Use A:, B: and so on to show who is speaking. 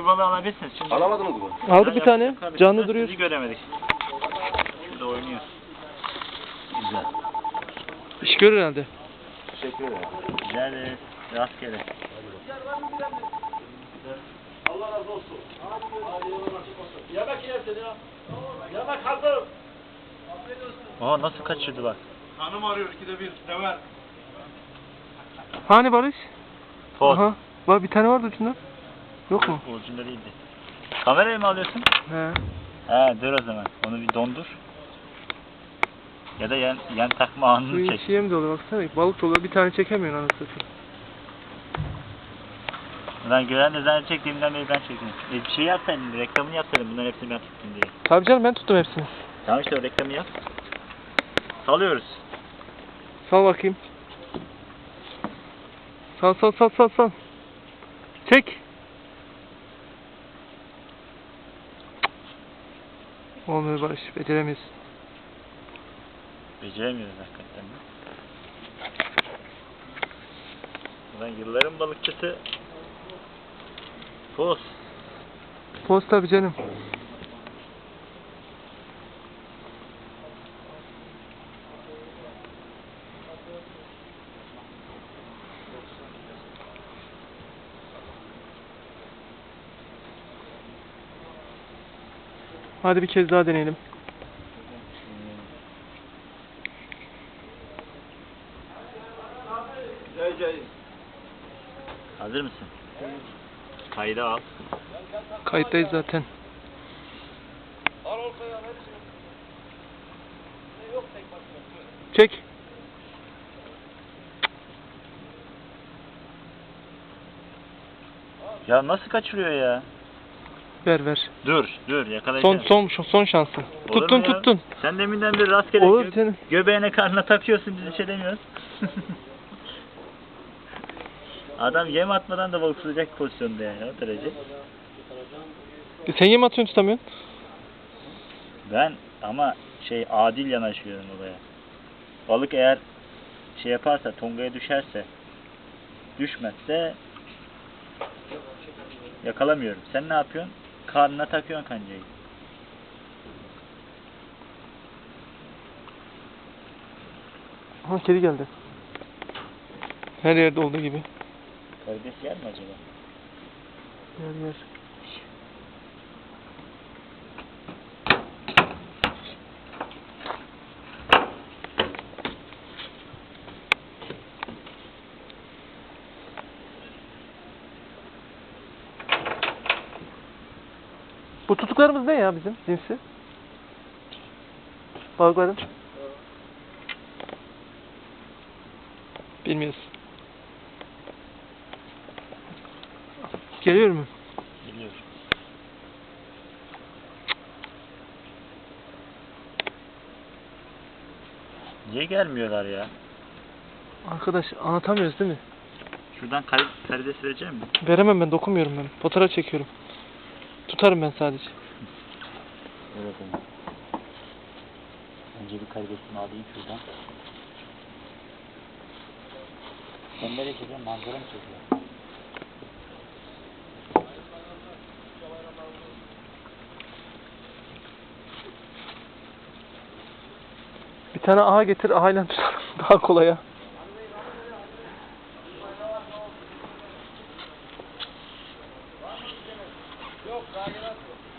A: bir balığı alabilirsiniz. Şimdi
B: Alamadınız mı?
C: Aldık bir tane. Canlı duruyor.
A: Sizi göremedik. Şurada oynuyor. Güzel.
C: İş görür herhalde.
B: Teşekkür ederim.
A: Güzel. Rastgele.
D: Allah razı olsun. Yemek yersin ya. Yemek hazır.
A: Oha nasıl kaçırdı bak.
D: Hanım arıyor 2'de 1. Ne var?
C: Hani Barış?
A: Poz.
C: Aha. Var bir tane vardı ucunda. Yok mu?
A: Ucunda değildi. Kamerayı mı alıyorsun?
C: He.
A: He dur o zaman. Onu bir dondur. Ya da yan takma anını
C: Suyun
A: çek.
C: içi yem dolu baksana. Balık dolu. Bir tane çekemiyorsun anasını satayım.
A: Ben gören de zaten çektiğimden beri ben çektim. Bir şey yapsaydın, reklamını yapsaydın bunların hepsini ben tuttum diye.
C: Tabii canım ben tuttum hepsini.
A: Tamam işte o reklamı yap. Salıyoruz.
C: Sal bakayım. Sal. Çek. Olmuyor Barış. Beceremiyorsun.
A: Beceremiyoruz hakikaten. Ulan yılların balıkçısı Poz.
C: Poz tabii canım. Hadi bir kez daha deneyelim.
A: Hazır mısın? Kayda al.
C: Kayıttayız zaten. Çek.
A: Ya nasıl kaçırıyor ya?
C: Ver.
A: Dur yakalayacağım.
C: Son şansı.
A: Olur mu ya?
C: Tuttun.
A: Sen deminden bir rastgele
C: Olur canım.
A: göbeğine karnına takıyorsun biz bir şey demiyoruz. Adam yem atmadan da balık tutacak pozisyonda yani o derece.
C: Sen yem atıyorsun tutamıyorsun.
A: Ben ama adil yanaşıyorum olaya. Balık eğer yaparsa, tongaya düşmezse yakalamıyorum. Sen ne yapıyorsun? Karnına takıyorsun kancayı.
C: Ha kedi geldi. Her yerde olduğu gibi.
A: Karides yer mi acaba?
C: Yer. Bu tutuklarımız ne ya bizim cinsi? Balıkların? Bilmiyoruz. Geliyor mu?
A: Geliyor. Niye gelmiyorlar ya?
C: Arkadaş anlatamıyoruz değil mi?
A: Şuradan karides vereceğim mi?
C: Veremem ben, dokunmuyorum ben. Fotoğraf çekiyorum. Tutarım ben sadece.
A: Evet. Önce bir karidesini alayım şuradan. Sen nereye çekiyorsun? Manzara mı çekiyorsun?
C: Bir tane aha getir, ahayla tutalım. Daha kolaya.
D: Yok daha gel atma.